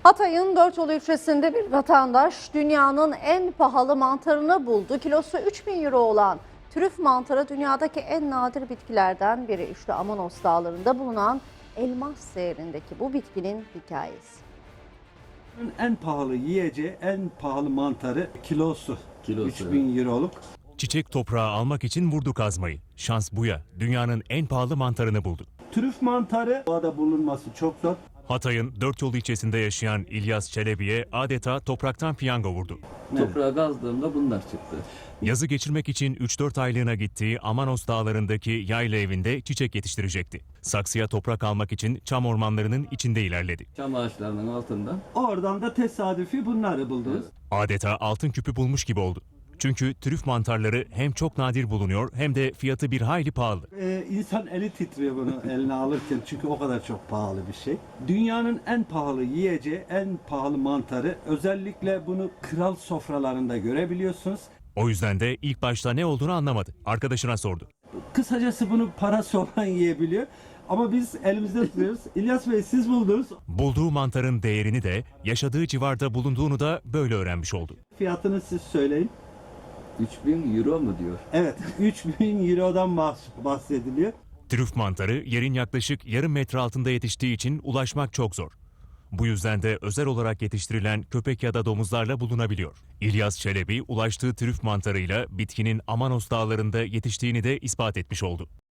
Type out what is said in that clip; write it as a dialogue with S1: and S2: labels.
S1: Hatay'ın Dörtyolu ilçesinde bir vatandaş dünyanın en pahalı mantarını buldu. Kilosu 3.000 euro olan trüf mantarı dünyadaki en nadir bitkilerden biri. İşte Amanos Dağları'nda bulunan elmas değerindeki bu bitkinin hikayesi.
S2: En pahalı yiyeceği, en pahalı mantarı kilosu 3000 euroluk.
S3: Çiçek toprağı almak için vurdu kazmayı. Şans buya. Dünyanın en pahalı mantarını buldu.
S2: Trüf mantarı doğada bulunması çok zor.
S3: Hatay'ın Dörtyolu ilçesinde yaşayan İlyas Çelebi'ye adeta topraktan piyango vurdu.
S4: Toprağa kazdığımda bunlar çıktı.
S3: Yazı geçirmek için 3-4 aylığına gittiği Amanos Dağları'ndaki yayla evinde çiçek yetiştirecekti. Saksıya toprak almak için çam ormanlarının içinde ilerledi.
S4: Çam ağaçlarının altından.
S2: Oradan da tesadüfi bunları buldunuz.
S3: Adeta altın küpü bulmuş gibi oldu. Çünkü trüf mantarları hem çok nadir bulunuyor hem de fiyatı bir hayli pahalı.
S2: İnsan eli titriyor bunu eline alırken çünkü o kadar çok pahalı bir şey. Dünyanın en pahalı yiyeceği, en pahalı mantarı, özellikle bunu kral sofralarında görebiliyorsunuz.
S3: O yüzden de ilk başta ne olduğunu anlamadı. Arkadaşına sordu.
S2: Kısacası bunu parası olan yiyebiliyor. Ama biz elimizde tutuyoruz. İlyas Bey, siz buldunuz.
S3: Bulduğu mantarın değerini de yaşadığı civarda bulunduğunu da böyle öğrenmiş oldu.
S2: Fiyatını siz söyleyin.
S4: 3000 euro mu diyor?
S2: Evet, 3000 eurodan bahsediliyor.
S3: Trüf mantarı yerin yaklaşık yarım metre altında yetiştiği için ulaşmak çok zor. Bu yüzden de özel olarak yetiştirilen köpek ya da domuzlarla bulunabiliyor. İlyas Çelebi ulaştığı trüf mantarıyla bitkinin Amanos Dağları'nda yetiştiğini de ispat etmiş oldu.